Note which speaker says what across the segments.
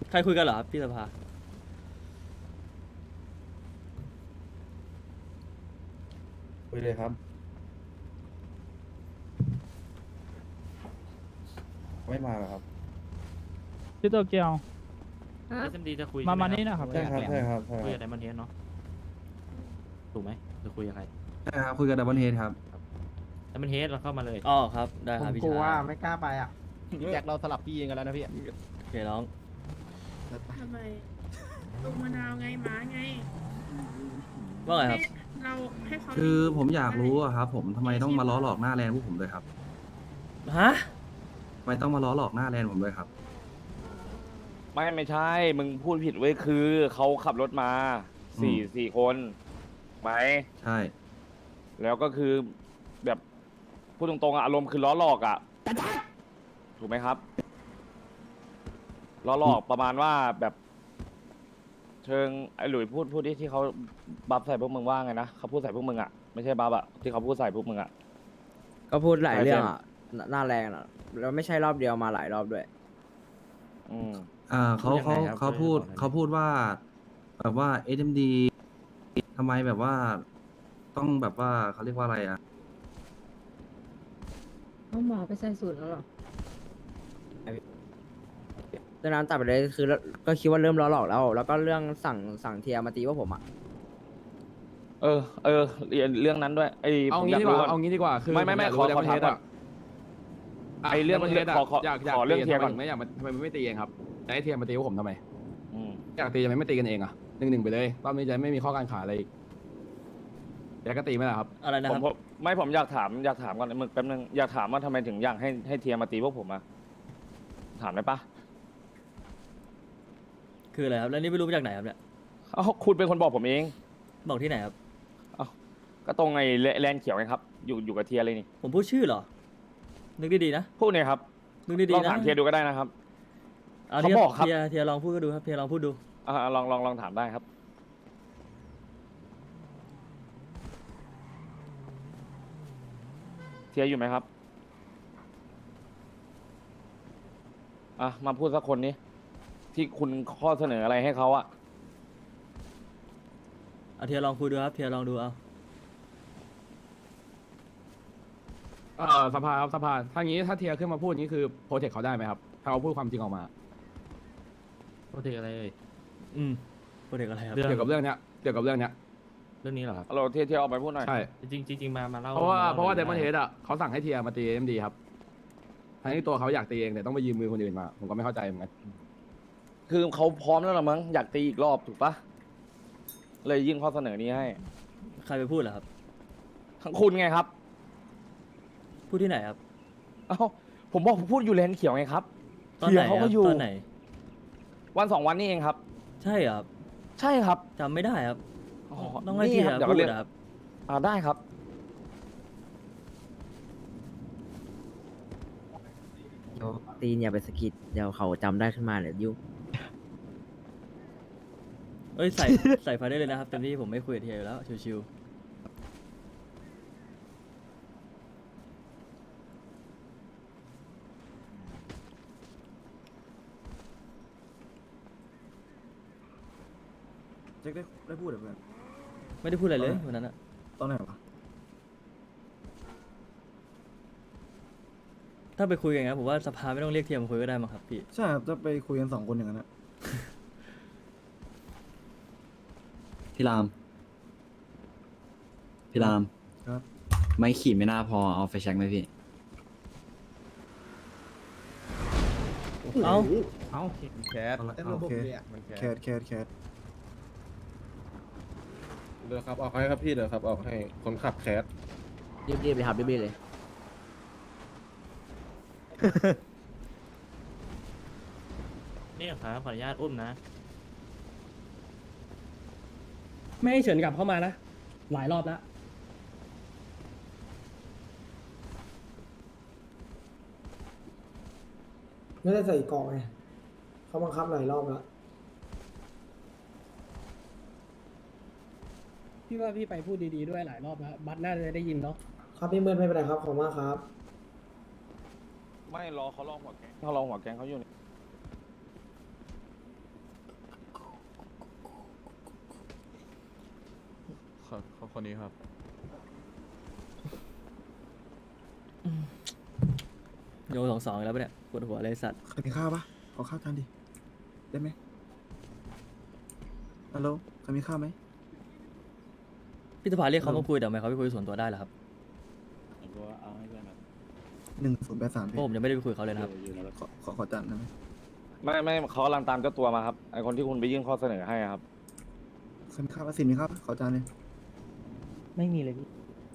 Speaker 1: ใครคุยกันเหรอครับพี่สภา
Speaker 2: คุยเลยครับไม่มาหรอครับ
Speaker 3: พี่โตเกียว
Speaker 4: เอสเอ็มดีจะคุย
Speaker 3: มา
Speaker 4: ใช่ไห
Speaker 3: นี่นะครับ
Speaker 2: ใช่ครับใช่ครับใช่
Speaker 4: คุย
Speaker 2: ค
Speaker 4: กั
Speaker 2: รั
Speaker 4: บบ ไดมอนเฮดเนาะถูกไหมจะคุยกับใคร
Speaker 5: ใช่ครับคุยกับดับเบิลเฮดครับ
Speaker 4: ไดมอนเฮดเราเข้ามาเลย
Speaker 1: อ๋อครับได้ครับพี่ชาย
Speaker 6: ไม่กล้าไปอ่ะ
Speaker 7: แจ็คเราสลับพี่กันแล้วนะพี่
Speaker 1: โอเคน้อง
Speaker 8: ทำไมลูกมะนาวไงหมาไง
Speaker 1: ว่าไงครับ
Speaker 8: ให้เราให้เขา
Speaker 5: คือผมอยากรู้อะครับผมทำไมต้องมาล้อหลอกหน้าแลนด์พวกผมด้วยครับ
Speaker 1: ฮะ
Speaker 5: ทำไมต้องมาล้อหลอกหน้าแลนด์ผมด้วยครับ
Speaker 9: ไม่ใช่ มึงพูดผิดเว้ยคือเขาขับรถมาสี่คนไหม
Speaker 5: ใช่
Speaker 9: แล้วก็คือแบบพูดตรงๆอะอารมณ์คือล้อหลอกอะถูกไหมครับล้อหลอกประมาณว่าแบบ เชิงไอ้หลุยพูดที่เขาบัฟใส่พวกมึงว่าไงนะเขาพูดใส่พวกมึงอะไม่ใช่บัฟอะที่เขาพูดใส่พวกมึงอะ
Speaker 6: ก็พูดหลายเรื่องอ่ะหน้าแรงอ่ะแล้วไม่ใช่รอบเดียวมาหลายรอบด้วย
Speaker 9: อืม
Speaker 5: เขา
Speaker 4: ยังไงครับ
Speaker 5: เขาพูดว่าแบบว่า SMD ทำไมแบบว่าต้องแบบว่าเขาเรียกว่าอะไรอะ
Speaker 10: เอาหมอไปใส่สูตรแล้วเหรอ
Speaker 6: ดังนั้นตัดไปเลยคือก็คิดว่าเริ่มล้อหลอกแล้ว แล้วก็เรื่องสั่งเทียร์มาตีว่าผมอ่ะ
Speaker 9: เเรื่องนั้นด้วยไอ้
Speaker 7: เอา
Speaker 9: ผม
Speaker 7: งี้
Speaker 9: ยาก
Speaker 7: ดีกว่า
Speaker 9: รู้
Speaker 7: เอางี้ดีกว่าคือ
Speaker 9: ไม่
Speaker 7: ผยาก
Speaker 9: ขอ
Speaker 7: รู้
Speaker 9: ถาม
Speaker 7: Diamond Head
Speaker 9: ก่อน ไอ้เรื่อง
Speaker 7: Diamond Head
Speaker 9: ขอ
Speaker 7: อยาก
Speaker 9: ขอเรื่องเทียร์ก่อน
Speaker 7: ไม่อยากทำไมไม่ตีเองครับจะให้เทียร์มาตีพวกผมทำไม
Speaker 9: อืม
Speaker 7: อยากตีทำไมไม่ตีกันเองอ่ะ1-1ไปเลยรอบนี้จะไม่มีข้อการขาอะไรอีกอยากก็ตีไหมล่ะครับ
Speaker 1: อะไรนะ
Speaker 9: ผ
Speaker 1: ค
Speaker 9: ม
Speaker 1: รับ
Speaker 9: ผมอยากถามก่อนมึงแป๊บนึงอยากถามว่าทำไมถึงอยากให้เทียร์มาตีพวกผมอะถามได้ปะ
Speaker 1: คืออะไรครับแล้วนี่ไม่รู้มาจากไหนครับเนี่ย
Speaker 9: เอ้าคุณเป็นคนบอกผมเอง
Speaker 1: บอกที่ไหนครับ
Speaker 9: ก็ตรงไอ้แลนด์เขียวไงครับ อยู่กับเทียร์เลยนี่
Speaker 1: ผมพูดชื่อเหรอ นึกดีๆนะ
Speaker 9: พูดเนี่ยครับ
Speaker 1: นึกดี
Speaker 9: ลอง
Speaker 1: ๆนะ
Speaker 9: ถามเทียร์ดูก็ได้นะครับ
Speaker 1: เอา
Speaker 9: เขาบอกครับ
Speaker 1: เทียร์ลองพูดก็ดูครับเทียร์ลองพูดดู
Speaker 9: ลองถามได้ครับ เทียร์อยู่ไหมครับมาพูดสักคนนี้ที่คุณข้อเสนออะไรให้เขาอะ
Speaker 1: เอาเทียร์ลองคุยดูครับเทียร์ลองดูเอา
Speaker 7: สภาครับสภาถ้างี้ถ้าเทียร์ขึ้นมาพูดนี้คือโปรเทคเขาได้ไหมครับถ้าเขาพูดความจริงออกมา
Speaker 4: โปรเทคอะไรเอ่ย
Speaker 1: โปรเจกต์อะไรครับ
Speaker 4: เรื่อง
Speaker 7: เกี่ยวกับเรื่องเนี้ย
Speaker 4: เรื่องนี้เหรอครับ
Speaker 9: เราเทียร์ออกไปพูดหน่อย
Speaker 7: ใช่
Speaker 4: จริงมาเล่า
Speaker 7: เพราะว่า
Speaker 4: ม
Speaker 7: เดมอนเฮดอ่ะเขาสั่งให้เทียร์มาตี MD ครับทั้งที่ตัวเขาอยากตีเองแต่ต้องไปยืมมือคนอื่นมาผมก็ไม่เข้าใจเหมือนกัน
Speaker 9: คือเขาพร้อมแล้วหรอมั้งอยากตีอีกรอบถูกปะเลยยื่นข้อเสนอนี้ให้
Speaker 1: ใครไปพูดเหรอครับ
Speaker 9: ทั้งคุณไงครับ
Speaker 1: พูดที่ไหนครับ
Speaker 9: เอ้าผมบอกผมพูดอยู่แลนด์เขียวไงครับ
Speaker 1: ตอนไหน
Speaker 9: เทียร์เขา
Speaker 1: ค
Speaker 9: ก็
Speaker 1: รับ
Speaker 9: อยู่
Speaker 1: ตอนไหน
Speaker 9: วัน2 วันนี้เองครับ
Speaker 1: ใช่เหรอครับ
Speaker 9: ใช่ครับ
Speaker 1: จำไม่ได้ครับ
Speaker 9: อ๋อ
Speaker 1: ต้องให้
Speaker 9: นี่
Speaker 1: เทีย
Speaker 9: ค
Speaker 1: ร์
Speaker 9: บเดี๋ยว
Speaker 1: พู
Speaker 9: ก็
Speaker 1: ด
Speaker 9: เรียก
Speaker 1: นะครับ
Speaker 9: ได้ครับ
Speaker 6: เดี๋ยวตีนอย่าไปสะกิดเดี๋ยวเขาจำได้ขึ้นมาเดี๋ยวยุ่ง
Speaker 1: เอ้ยใส่ ใส่ไฟได้เลยนะครับเต็มที่ผมไม่คุยกับเทียร์อยู่แล้วชิวๆ
Speaker 2: เจ๊ได้พูดหรือเปล่า
Speaker 1: ไม่ได้พูดอะไรเลยวันนั้นอะ
Speaker 2: ตอนไหนวะ
Speaker 1: ถ้าไปคุยกันอย่างนั้นผมว่าสภาไม่ต้องเรียกเทียร์มาคุยก็ได้มั้งครับพี่
Speaker 2: ใช่ครับจะไปคุยกัน2 คนอย่างนั้นนะ
Speaker 5: พี่ราม พี่ราม
Speaker 2: ครับ
Speaker 5: ไม่ขี่ไม่น่าพอเอาไฟแช็กไหมพี่
Speaker 1: เอ้า
Speaker 7: เอ้า
Speaker 2: แคสโอเคแคส
Speaker 11: เดี๋ยวครับออกให้ครับพี่เดี๋ยวครับออกให้คนขับแคส
Speaker 6: รีบๆเลยครับรีบๆเลย
Speaker 4: นี่ครับขออนุญาตอุ้มนะ
Speaker 3: ไม่ให้เฉินกลับเข้ามานะ หลายรอบแล้ว
Speaker 10: ไม่ได้ใส่กล่องไงเขาบังคับหลายรอบแล้ว
Speaker 3: พี่ว่าพี่ไปพูดดีๆด้วยหลายรอบแล้ว บัตน่าจะได้ยินเนาะ
Speaker 10: ครับพี่เมินไม่เป็นไรครับขอบคุณมากครับ
Speaker 9: ไม่รอเขาลองหัวแกงเขาอยู่นี่
Speaker 11: คนนี้ครับ
Speaker 1: โย2-2แล้วปะเนี่ยปวดหัวเลยสัตว์
Speaker 2: ใครมีข้าวปะขอข้าวจานดิ ได้ไหมฮัลโหลใครมีข้าวไหม
Speaker 1: พี่สภาเรียกเขามาคุยแต่ทำไมเขาไม่คุยส่วนตัวได้ล่ะครับ
Speaker 2: 1083
Speaker 1: เพ
Speaker 2: พี่
Speaker 1: ราะผมยังไม่ได้ไปคุยกับเขาเลยนะครับ
Speaker 2: ขอจานได้ไหม
Speaker 9: ไม่เขากำลังตามเจ้าตัวมาครับไอคนที่คุณไปยื่นข้อเสนอให้อะครับ
Speaker 2: ใครมีข้าวปะสิมีข้าวปะขอจานเลย
Speaker 6: ไม่มีเลยพี่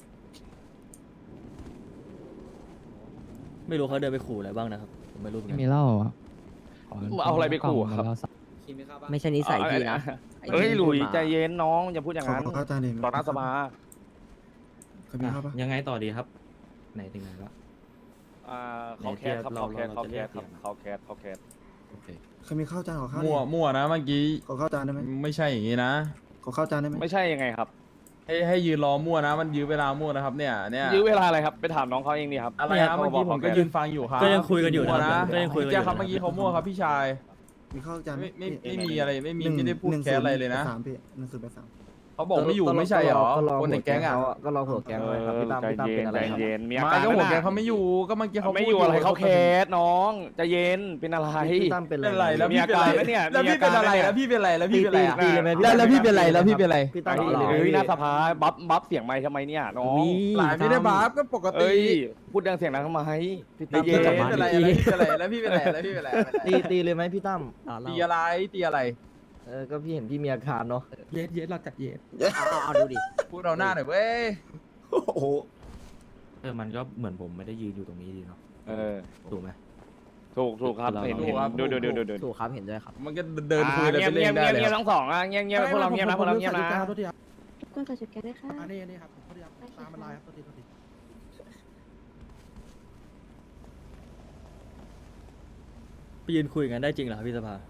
Speaker 1: ไม่รู้เขาเดินไปขู่อะไรบ้างนะครับผมไม่รู้เหมือนกัน
Speaker 4: มีเหล้า
Speaker 9: เอาอะไรไปขู่ครับ
Speaker 6: ไม่ใช่นิสัยพี่นะไอ้
Speaker 9: เฮ้ย
Speaker 6: ที่
Speaker 9: หลุย
Speaker 6: พูดมา
Speaker 9: ใจเย็นน้องอย่าพูดอย่างนั้น
Speaker 2: ขอข้าวจานดิ
Speaker 9: ต่อหน้าสภา
Speaker 2: ใครมีข้าวปะ
Speaker 4: ยังไงต่อดีครับ ไหนถึงไหนแล้ว
Speaker 9: เขาแคสครับเขาแคสเขาแคสครับเขาแคสเขาแคส
Speaker 2: ใครมีข้าวจานขอข้าวดิ
Speaker 11: มั่วนะเมื่อกี้
Speaker 2: ขอข้าวจานได้ไหม
Speaker 11: ไม่ใช่อย่างนี้นะ
Speaker 2: ขอข้าวจานได้ไหม
Speaker 9: ไม่ใช่ยังไงครับ
Speaker 11: ให้ยืนรอมั่วนะ มันยื้อเวลามั่วนะครับเนี่ย
Speaker 9: ยื้อเวลาอะไรครับไปถามน้องเขาเองดีครับ
Speaker 11: อะไรครับเมื่อกี้ผมก็ยืนฟังอยู่ครับ
Speaker 1: ก็ยังคุยกันอยู่นะ
Speaker 11: มั่ว
Speaker 1: ก็ยังคุยกันอยู่
Speaker 11: แจ้ครับเมื่อกี้เขามั่วครับพี่ชาย
Speaker 2: มีข้าวจาน
Speaker 11: ไม่มีอะไรไม่ได้พูดแคสอะไรเลยนะ
Speaker 2: 1083พี่1083
Speaker 11: เขาบอกไม่อยู่ไม่ใช่เหรอ คนในแก๊งอ่ะ
Speaker 6: ก็รอหัวแก๊งไว้ครับพี่ตั้ม
Speaker 9: ใจ
Speaker 6: พี่ตั้ม
Speaker 9: เย็
Speaker 6: เป็น นอะไร
Speaker 9: ใจ
Speaker 6: ครับ
Speaker 9: เย็นมีอา
Speaker 11: มา
Speaker 9: การ
Speaker 11: ก็หัว
Speaker 9: นะ
Speaker 11: แกงเขาไม่อยู่ก็เมื่อกี้เขา
Speaker 9: ไม่อยู่อะไรเขาแคสน้องใจเย็นเป็นอะไร
Speaker 6: พี่ตั้มเป็น
Speaker 11: เป็น
Speaker 6: อะ
Speaker 11: อะไร ไรแล้ว
Speaker 9: มี
Speaker 11: พี่
Speaker 9: อา
Speaker 11: เป็น
Speaker 9: การ
Speaker 11: อะไร
Speaker 9: ไหมเนี่ย
Speaker 11: แล้วพี่เป็นอะไรแล้วพี่เป็นอะไรแล้วพี่เป็นอะไร
Speaker 6: ตีเลยไหมพี่
Speaker 11: แล้วพี่เป็นอะไรแล้วพี่เป็นอะไร
Speaker 6: พี่ตั้ม
Speaker 9: เฮ้
Speaker 6: ตีเลยไหม
Speaker 9: ยหน้าสภาบัฟเสียงไมค์ทำไมเนี่ยน้อง
Speaker 11: หลายไม่ได้บาปก็ปกติ
Speaker 9: เอ้ยพูดดังเสียงดังทำไมใจเย็
Speaker 11: พี่
Speaker 9: น
Speaker 11: เป็นอะไรแล้วพี่เป็นอะไรแล้วพี่เป็นอะไรแล้วพี่เป็นอะไร
Speaker 6: ตีเลยไหมพี่ตั้ม
Speaker 11: ตีอะไรตีอะไร
Speaker 6: ก็พี่เห็นพี่มีอาการเนาะ
Speaker 3: เย็ดเราจัดเย็ด
Speaker 6: เอาดูดิ
Speaker 11: พูดเราหน้าหน่อยเว้ย
Speaker 2: โอ้โห
Speaker 4: มันก็เหมือนผมไม่ได้ยืนอยู่ตรงนี้ดีเนาะ ถูกไหม
Speaker 9: ถูกครับเห็นดู
Speaker 6: ถูกครับเห็นด้วยครับ
Speaker 11: มันก็เดินคุยอะไร
Speaker 9: เงีย
Speaker 11: ไป
Speaker 9: บ
Speaker 11: เรื่
Speaker 9: เงี
Speaker 11: อย
Speaker 9: บ
Speaker 11: ได้
Speaker 9: เงียบ
Speaker 11: เลย
Speaker 9: เงียบทั้งสองเงียบพวกเราเงียบนะพวกเราเงียบนะ
Speaker 3: โทษทีครับ
Speaker 8: ก้นกระจุดแกได้ค่ะ
Speaker 3: อันนี้ครับโทษทีครับตามมันลายครับโทษที
Speaker 1: ไปยืนคุยกันได้จริงเหรอครับพี่สภา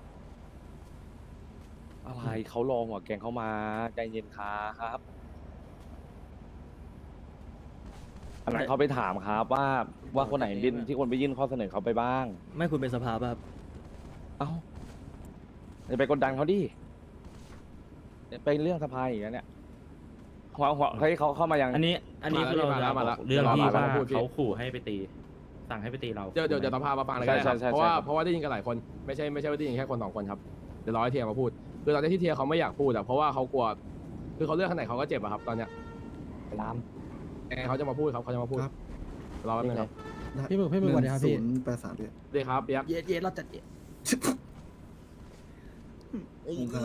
Speaker 9: อะไรเขารอหัวแกงเขามาใจเย็นครับอันนั้นเขาไปถามครับว่าคนไหนบินที่คนไปยื่นข้อเสนอเขาไปบ้าง
Speaker 1: ไม่คุณเป็นสภาป่ะครับ
Speaker 9: เอ้าอย่าไปกดดันเขาดิไปเรื่องสภาอีกแล้วเนี่ยหัวเฮ้ยเขาเข้ามายัง
Speaker 4: อันนี้คือเราจะบอกเรื่องที่ว่าเขาขู่ให้ไปตี สั่งให้ไปตีเรา
Speaker 7: เดี๋ยวต้องพามาฟังเลยก็ได้ครับเพราะว่าได้ยินกันหลายคนไม่ใช่ว่าได้ยินแค่คนสองคนครับเดี๋ยวรอให้เทียมาพูดคือตอนนี้ที่เทียเขาไม่อยากพูดอะเพราะว่าเขากลัวคือเขาเลือกข้างไหนเขาก็เจ็บอะครับตอนเนี้ย
Speaker 6: ลาม
Speaker 7: เขาจะมาพูดครับเขาจะมาพูด
Speaker 2: ครับ
Speaker 7: รอแป๊บนึงครับ
Speaker 3: พี่มึกสวัสดีครับพี่
Speaker 2: 1083พี่
Speaker 7: ดีครับเปียก
Speaker 3: เย็ดเราจัดเย็ด
Speaker 2: ครับ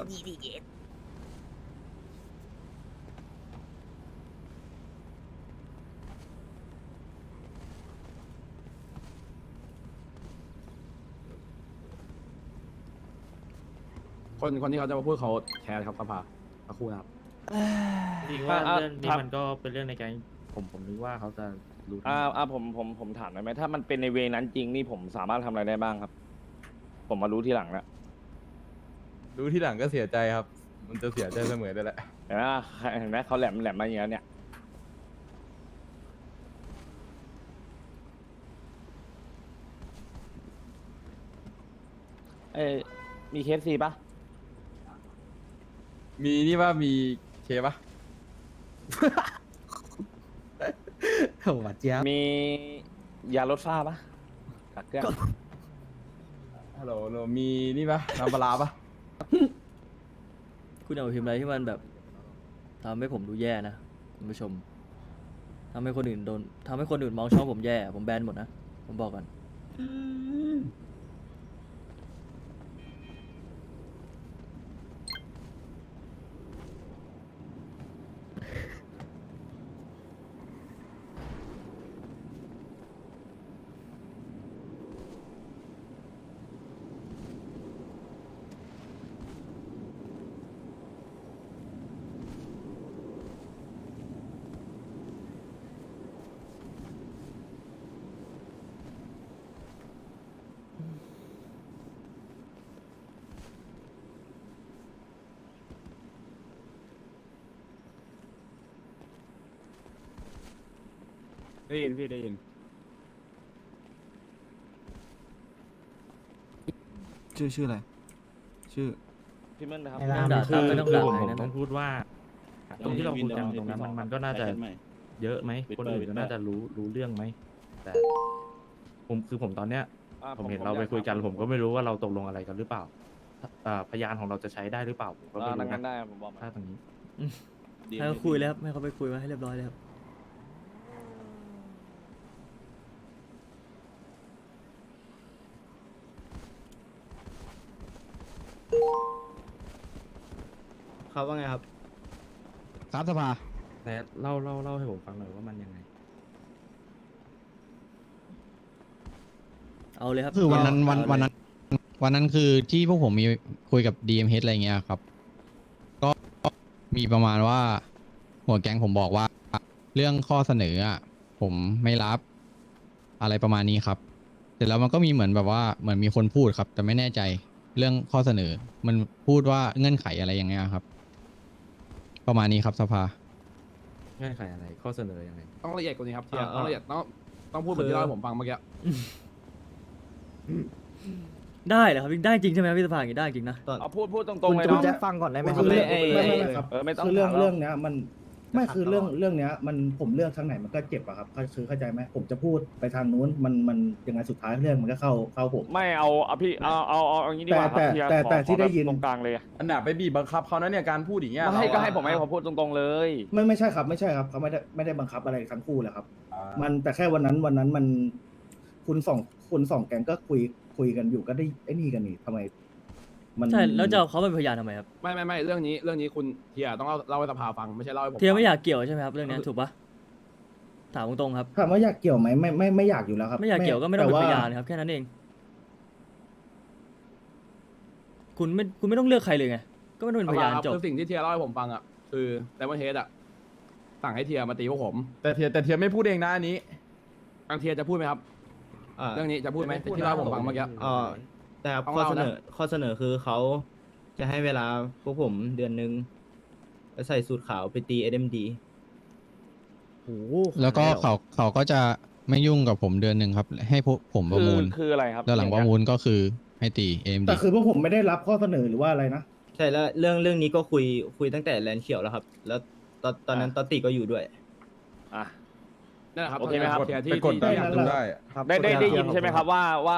Speaker 7: คนที่เขาจะมาพูดเขาแคร์ครับสภาสักครู่นะครับ
Speaker 4: จริงว่าเรื่องนี้มันก็เป็นเรื่องในแก๊งผมนึกว่าเขาจะรู้
Speaker 9: ผมถามได้ไหมถ้ามันเป็นในเวนั้นจริงนี่ผมสามารถทำอะไรได้บ้างครับ ผมมารู้ทีหลังแล้ว
Speaker 11: รู้ที่หลังก็เสียใจครับ มันจะเสียใจเสมอได้แหละ
Speaker 9: เห็นไหมเขาแหลมมาอย่างนี้เนี่ยมีเคสซีปะ
Speaker 11: มีนี่ว่ามีเคปะ
Speaker 3: โหเจี๊ยบ
Speaker 9: มียาลดฝ้าปะกักเกลือ
Speaker 11: ฮัลโหลมีนี่ปะน้ำปลาร้าปะ
Speaker 1: คุณเอาพิมพ์อะไรที่มันแบบทำให้ผมดูแย่นะคุณผู้ชมทำให้คนอื่นมองช่องผมแย่ ผมแบนหมดนะ ผมบอกก่อน
Speaker 11: ได้ยินพี่ได้ยิน
Speaker 2: ชื่ออะไร ชื่อ
Speaker 9: พี่เมิ้ลนะครับ
Speaker 1: ไม่ต้องด่า
Speaker 4: คือ
Speaker 1: ไม่ต้องด่า
Speaker 4: ผม
Speaker 1: อะไรนะ
Speaker 4: ต้องพูดว่าตรงที่เราคุยกันตรงนั้นมันก็น่าจะเยอะไหมคนอื่นก็น่าจะรู้เรื่องไหมแต่ผมตอนเนี้ยผมเห็นเราไปคุยกันผมก็ไม่รู้ว่าเราตกลงอะไรกันหรือเปล่าพยานของเราจะใช้ได้หรือเปล่าผมก็ไม่รู้
Speaker 9: กัน
Speaker 4: นะ
Speaker 9: ได้ผมบอกมา
Speaker 4: ถ้าตรงนี้
Speaker 1: ให้เขาคุยเลยครับให้เขาไปคุยมาให้เรียบร้อยเลยครับครับว่าไงครับ
Speaker 2: ครับสภา
Speaker 4: แต่เล่าให้ผมฟังหน่อยว่ามันยังไง
Speaker 1: เอาเลยครับ
Speaker 12: คือวันนั้น
Speaker 1: เอาเลย
Speaker 12: วันนั้นคือที่พวกผมมีคุยกับ DMH อะไรเงี้ยครับ ก็มีประมาณว่าหัวแก๊งผมบอกว่าเรื่องข้อเสนออ่ะผมไม่รับอะไรประมาณนี้ครับเสร็จแล้วมันก็มีเหมือนแบบว่าเหมือนมีคนพูดครับ แต่ไม่แน่ใจเรื่องข้อเสนอ มันพูดว่าเงื่อนไขอะไรอย่างเงี้ยครับ ประมาณนี้ครับสภา
Speaker 4: เงื่อนไขอะไรข้อเสนอยังไง
Speaker 7: ต้องละเอียดกว่านี้ครับเทียต้องละเอียดต้องพูดเหมือนที่เล่าให้ผมฟังเมื่อกี้
Speaker 1: ได้เหรอครับได้จริงใช่ไหมครับพี่สภาอย่างนี้ได้จริงนะ
Speaker 9: เอาพูดตรงๆเลย
Speaker 2: คุณ
Speaker 9: เนาะ
Speaker 2: แจ็คฟังก่อนได้ไหมครับ
Speaker 10: ไม่ครับ
Speaker 9: ไม่ต้อง
Speaker 10: คือเรื่อง
Speaker 9: ถามหรอก
Speaker 10: เรื่องเนี้ยมันไม่คือเรื่องเนี้ยมันผมเลือกทางไหนมันก็เจ็บอะครับคือเข้าใจไหมผมจะพูดไปทางนู้นมันยังไงสุดท้ายเรื่องมันก็เข้าผม
Speaker 9: ไม่เอาพี่เอาอย่างนี้ดีกว่าครับเทีย
Speaker 10: แต่ที่ได้ยิน
Speaker 9: ตรงกลางเลย
Speaker 11: อันดับไปบีบบังคับเขานะเนี่ยการพูดอย่างเงี้ย
Speaker 9: ก็ให้ผมพูดตรงๆเลย
Speaker 10: ไม่ใช่ครับเขาไม่ได้บังคับอะไรทั้งคู่เลยครับ มันแต่แค่วันนั้นมันคุณสองแก๊งก็คุยกันอยู่ก็ได้ไอ้นี่กันนี่ทำไม มัน
Speaker 1: ใช่แล้วจะเอาเขาเป็นพยานทำไมครับ
Speaker 7: ไม่เรื่องนี้คุณเทียต้องเล่าให้สภาฟังไม่ใช่เล่าให้ผม
Speaker 1: เทียไม่
Speaker 7: ฟัง
Speaker 1: อยากเกี่ยวใช่ไหมครับเรื่องนี้ถูกปะถามตรงๆครับ
Speaker 10: ถามว่าอยากเกี่ยวไหมไม่อยากอยู่แล้วครับ
Speaker 1: ไม่อยากเกี่ยวก็ไม่ต้องเป็นพยาน
Speaker 10: แต่ว่
Speaker 1: ครับแค่นั้นเองคุณไม่ต้องเลือกใครเลยไงก็ไม่ต้องเป็นพยานจบ
Speaker 7: คือสิ่งที่เทียเล่าให้ผมฟังอ่ะคือไดมอนเฮดอ่ะสั่งให้เทียมาตีพวกผม
Speaker 11: แต่เทียไม่พูดเองนะอันนี้
Speaker 7: ทางเทียจะพูดไหมครับเรื่องนี้จะพูดไหมที่เล่าให้ผมฟังเมื่อกี้
Speaker 2: แต่ครับ
Speaker 7: ต้อง
Speaker 2: ข้อ
Speaker 7: เล่า
Speaker 2: เสน
Speaker 7: นะ
Speaker 2: อข้อเสนอคือเขาจะให้เวลาพวกผมเดือนนึงแล้วใส่สูตรขาวไปตี SMD
Speaker 6: โอ้โห
Speaker 12: แล้วก็เขาก็จะไม่ยุ่งกับผมเดือนหนึ่งครับ ให้พวกผมประมูล
Speaker 9: คืออะไรครับ
Speaker 12: แล้วหลังประมูลก็คือให้ตี AMD
Speaker 10: แต่คือพวกผมไม่ได้รับข้อเสนอหรือว่าอะไรนะ
Speaker 2: ใช่แล้วเรื่องนี้ก็คุยตั้งแต่แลนด์เขียวแล้วครับ แล้วตอนนั้นตอตติก็อยู่ด้วย
Speaker 9: อ่ะ
Speaker 7: นั่นแหละครับ
Speaker 9: โอเคไหมครับ
Speaker 7: เทีย
Speaker 11: ไปกดดัน
Speaker 7: ที่
Speaker 11: ดูได้อะ
Speaker 9: ได้ยินใช่ไหมครับ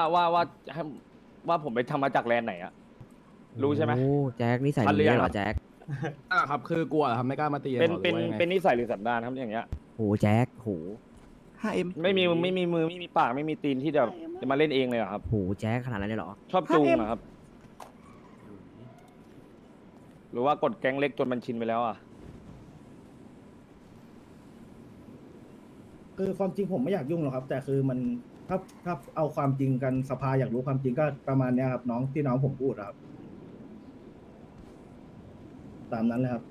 Speaker 9: ว่าผมไปทำมาจากแลนด์ไหนอะรู้ใช่ไหม
Speaker 6: โอ้แจ็คนี่ใส่
Speaker 9: ทันหรือ
Speaker 6: เย
Speaker 9: ยัง
Speaker 6: เหร
Speaker 9: ครั
Speaker 6: อบ แจ็ค
Speaker 7: นั่นแหละครับคือกลัวเหรอครับไม่กล้ามาตี
Speaker 9: เป็น
Speaker 7: หรอหรือว่ายังไง
Speaker 9: นิสัยหรือสันดานครับอย่างเงี้ย
Speaker 6: โหแจ็คโห
Speaker 2: 5M
Speaker 9: ไม่มีมือไม่มีปากไม่มีตีนที่จะมาเล่นเองเลยเหรอครับ
Speaker 6: โหแจ็คขนาดนั้นเลยเหรอ
Speaker 9: ชอบจูงเหรอครับ หรือว่ากดแก๊งเล็กจนมันชินไปแล้วอ่ะ
Speaker 10: คือความจริงผมไม่อยากยุ่งหรอกครับ แต่คือมันถ้าเอาความจริงกันสภาอยากรู้ความจริงก็ประมาณเนี้ยครับน้องผมพูดอะครับ ตามนั้นเลยครับ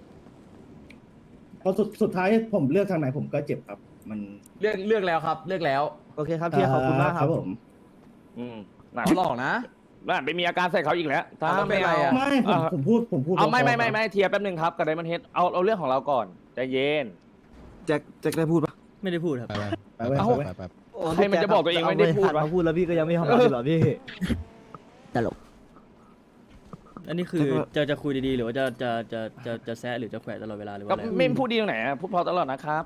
Speaker 10: พอสุดท้ายผมเลือกทางไหนผมก็เจ็บครับ มัน
Speaker 11: เลือกแล้วครับเลือกแล้ว
Speaker 2: โอเคครับเทียขอบคุณมากครับ
Speaker 10: ผม
Speaker 9: หนัก
Speaker 11: เขาหลอกนะ
Speaker 9: น่าไปมีอาการใส่เขาอีกแล้วถ้า
Speaker 11: แล้วเป็นไรอะ
Speaker 10: ไม่ผมพูด
Speaker 9: เอา
Speaker 10: พๆ
Speaker 9: ไม่เทียร์แป๊บนึงครับกับไดมอนเฮดเอาเรื่องของเราก่อนใจเย็น
Speaker 2: แจ็คได้พูดปะ
Speaker 1: ไม่ได้พูดครับ
Speaker 10: ไปเว้ย
Speaker 9: เอ้า
Speaker 10: ไปเว้ย
Speaker 12: แบบ
Speaker 9: ใครมันจะบอกตัวเองไม่ได้พูดวะ
Speaker 2: มาพูดแล้วพี่ก็ยังไม่ทำเหรอพี่
Speaker 6: ตลก
Speaker 1: อันนี้คือจะคุยดีๆหรือว่าจะแซะหรือจะแขวะตลอดเวลาหรือว่า
Speaker 9: ก็
Speaker 1: อะไร
Speaker 9: ไม่พูดดีตรงไหนอะพูดเพอตลอดนะครับ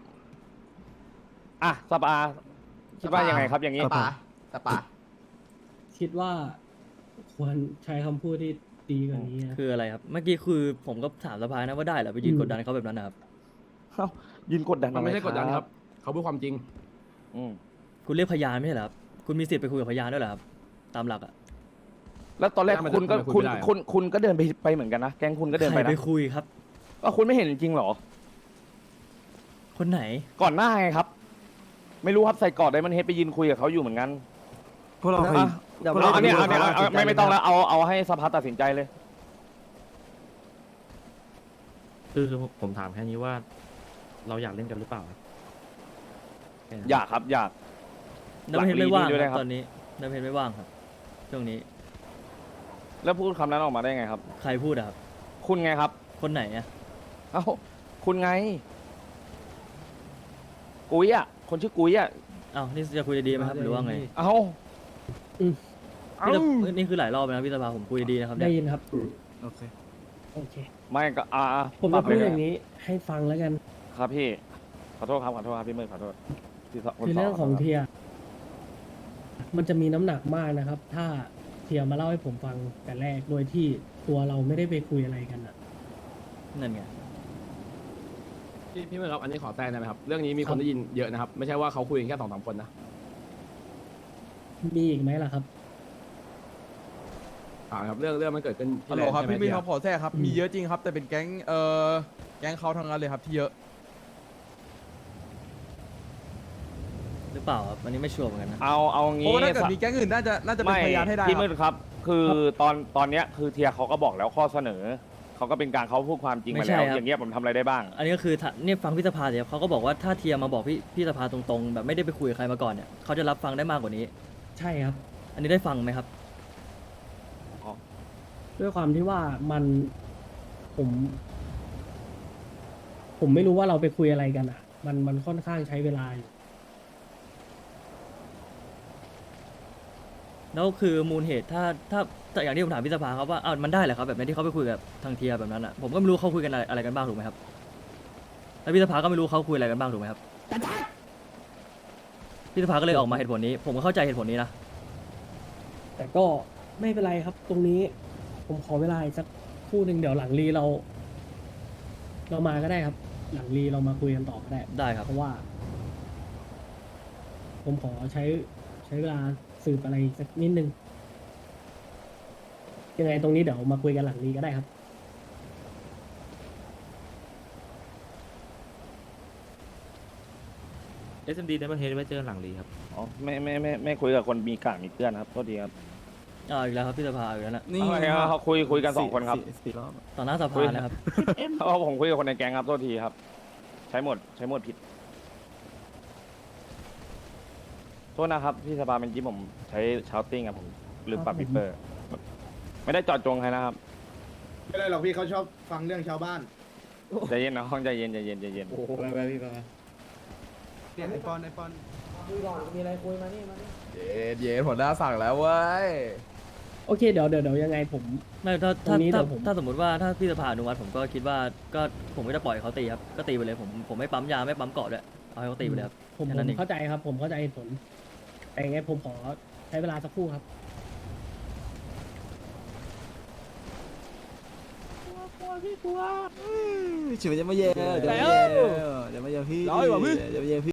Speaker 9: อ่ะสปาคิดว่ายังไงครับอย่างนี้
Speaker 11: สปา
Speaker 3: คิดว่าควรใช้คำพูดที่ดีกว่านี้นะ
Speaker 1: คืออะไรครับเมื่อกี้คือผมก็ถามสภานะว่าได้เหรอไปยืนกดดันเขาแบบนั้นนะครับ
Speaker 9: ยืนกดดัน
Speaker 7: มันไม่ใช่กดดันครับเขาพูดความจริง
Speaker 9: อืม
Speaker 1: คุณเรียกพยานไม่ใช่เหรอครับคุณมีสิทธิ์ไปคุยกับพยานด้วยเหรอครับตามหลักอ่ะ
Speaker 9: แล้วตอนแรก
Speaker 7: ทำไม
Speaker 9: คุณก็
Speaker 7: ทำไมคุย
Speaker 9: คุณ
Speaker 7: ไม่ได้อะ
Speaker 9: คุณก็เดินไปเหมือนกันนะแก๊งคุณก็เดิน
Speaker 1: ใค
Speaker 9: ไป
Speaker 1: ร
Speaker 9: นะ
Speaker 1: ไปคุยครับ
Speaker 9: ก็คุณไม่เห็นจริงเหรอ
Speaker 1: คนไหน
Speaker 9: ก่อนหน้าไงครับ ไม่รู้ครับใส่กอดไดมอนเฮดไปยืนคุยกับเขาอยู่เหมือนกัน
Speaker 2: พวกเราเคย
Speaker 9: เอาอันนี้ไม่ต้องแล้วเอาให้สภาตัดสินใจเลย
Speaker 4: คือผมถามแค่นี้ว่า เราอยากเล่นกันหรือเปล่าแค่นั้น
Speaker 9: อยากครับอยาก
Speaker 1: น้ำเพชรไม่ว่าง
Speaker 9: หลังลีด้วย
Speaker 1: ค
Speaker 9: นะครั
Speaker 1: รับบ ตอนนี้น้ำเพชรไม่ว่างครับช่วงนี้
Speaker 9: แล้วพูดคำนั้นออกมาได้ไงครับ
Speaker 1: ใครพูดอะครับ
Speaker 9: คุณไงครับ
Speaker 1: คนไหนอะ
Speaker 9: เอ้าคุณไง กุ้ยอ่ะ คนชื่อกุ้ยอ่ะ
Speaker 1: เอ้านี่จะคุยดีๆไหมครับหรือว่าไง
Speaker 9: เอ้า
Speaker 3: อืม
Speaker 9: เอ้า
Speaker 1: นี่คือหลายรอบแล้วนะพี่สภาผมคุยดีๆนะครับ
Speaker 3: ได้
Speaker 1: เนี่ย
Speaker 3: ยินครับ
Speaker 2: โอเค
Speaker 3: โอเค
Speaker 9: ไม่ก็
Speaker 3: ผม
Speaker 9: ปรั
Speaker 3: จะ
Speaker 9: บ
Speaker 3: พูด
Speaker 9: เล
Speaker 3: อย่างนี้ให้ฟังแล้วกัน
Speaker 9: ครับพี่ขอโทษครับพี่มืดขอโทษพี่คน
Speaker 3: คือ
Speaker 9: ส
Speaker 3: เรื่องของ
Speaker 9: ขโทษ
Speaker 3: เทีย มันจะมีน้ำหนักมากนะครับ ถ้าเทียมาเล่าให้ผมฟังแต่แรกโดยที่ตัวเราไม่ได้ไปคุยอะไรกันอ่ะ
Speaker 1: นั่นไง
Speaker 7: พี่เมื่อครับอันนี้ขอแทรกได้ไหมครับเรื่องนี้มีคนได้ยินเยอะนะครับไม่ใช่ว่าเขาคุยกันแค่2-3คนนะ
Speaker 3: มีอีกไหมล่ะครับ
Speaker 7: ครับเรื่องมันเกิดขึ้น
Speaker 11: ฮัลโหลครับ
Speaker 7: ใช่ไ
Speaker 11: พี่มิ้นครับขอแทรกครับ
Speaker 3: อืม
Speaker 11: มีเยอะจริงครับ แต่เป็นแก๊งแก๊งเขาทั้งนั้นเลยครับที่เยอะ
Speaker 1: หรือเปล่าครับอันนี้ไม่ชัวร์เหมือนกันนะ
Speaker 9: เอา
Speaker 11: เพราะ
Speaker 9: งี้
Speaker 11: ว่าถ้าเกิดมีแก๊งอื่นน่าจะเป็น
Speaker 9: ไม่
Speaker 11: พยานให้ได้
Speaker 9: พี่
Speaker 11: ค
Speaker 9: มื
Speaker 11: รับ
Speaker 9: ดครับ คือตอนเนี้ยคือเทียเขาก็บอกแล้วข้อเสนอเขาก็เป็นการเขาพูดความจริง
Speaker 1: ไม่
Speaker 9: มา
Speaker 1: ใช่
Speaker 9: แล้ว
Speaker 1: ครับ
Speaker 9: อย่างเงี้ยผมทำอะไรได้บ้าง
Speaker 1: อันนี้ก็คือถ้าเนี่ยฟังพี่สภาเดี๋ยวเขาก็บอกว่าถ้าเทียมาบอกพี่สภาตรงๆ แบบไม่ได้ไปคุยกับใครมาก่อนเนี่ยเขาจะรับฟังได้มากกว่านี้
Speaker 3: ใช่ครับ
Speaker 1: อันนี้ได้ฟังไหมครับ
Speaker 3: ด้วยความที่ว่ามันผมไม่รู้ว่าเราไปคุยอะไรกันอ่ะ มันค่อนข้างใช้เวลาอยู่
Speaker 1: แล้วคือมูลเหตุถ้าอย่างที่ผมถามพี่สภาครับว่ามันได้เหรอครับแบบนี้ที่เขาไปคุยกับทางเทียแบบนั้นอ่ะผมก็ไม่รู้เขาคุยกันอะไรกันบ้างถูกไหมครับแล้วพี่สภาก็ไม่รู้เขาคุยอะไรกันบ้างถูกไหมครับพี่สภาก็เลยออกมาเหตุผลนี้ ผมก็เข้าใจเหตุผลนี้นะ
Speaker 3: แต่ก็ไม่เป็นไรครับ ตรงนี้ผมขอเวลาอีกสักครู่หนึ่งเดี๋ยวหลังรีเรามาก็ได้ครับ หลังรีเรามาคุยกันต่อก็ได้
Speaker 1: ได้ครับ
Speaker 3: เพราะว่า ผมขอใช้เวลาสืบอะไรสักนิดนึงยังไงตรงนี้เดี๋ยวมาคุยกันหลังรีก็ได้ครับ
Speaker 4: SMD ได้ประเทศไว้เจอหลังรีครับ
Speaker 9: อ๋อไม่คุยกับคนมีกาดมีเพื่อนครับโทษทีครับ
Speaker 1: อีกแล้วครับพี่สภาอีกแล้วนะ
Speaker 9: อะไรครับเขาคุยกัน2 คนครับ
Speaker 1: ต่อหน้าสภานะครับ
Speaker 9: เพราะผมคุยกับคนในแก๊งครับโทษทีครับ ใช้หมดผิดโทษนะครับพี่สภาเป็นกี้ผมใช้ชาวติ้งครับผมลืมปรับบิปเปอร์ไม่ได้จอดจงใครนะครับ
Speaker 10: ไม่ได้หรอกพี่เขาชอบฟังเรื่องชาวบ้าน
Speaker 9: ใจเย็นนะห้องใจเย็น
Speaker 10: ไปพี่ไปไอปอน
Speaker 3: มีอะไรคุยมานี่
Speaker 11: เย็นหัวหน้าสั่งแล้วเว้ย
Speaker 3: โอเคเดี๋ยวยังไงผม
Speaker 1: ไม่ถ้า
Speaker 3: ตรงนี้เดี๋ยวผม
Speaker 1: ถ้าสมมติว่าถ้าพี่สภาอนุมัติผมก็คิดว่าก็ผมก็จะปล่อยเขาตีครับก็ตีไปเลยผมไม่ปั๊มยาไม่ปั๊มเกาะด้วยเอาให้เขาตีไปเลยครับ
Speaker 3: ผม
Speaker 1: แค่นั้นเอง
Speaker 3: เข้าใจครับ ผมเข้าใจเหตุผลแต่ยังไงผมขอใช้เวลาสักครู่ครับ
Speaker 5: เฉยจะมาเย่เดี๋ยวมาเย่พี่
Speaker 11: ร้อยกว่าพี่
Speaker 5: เดี๋ยวมาเย่พี่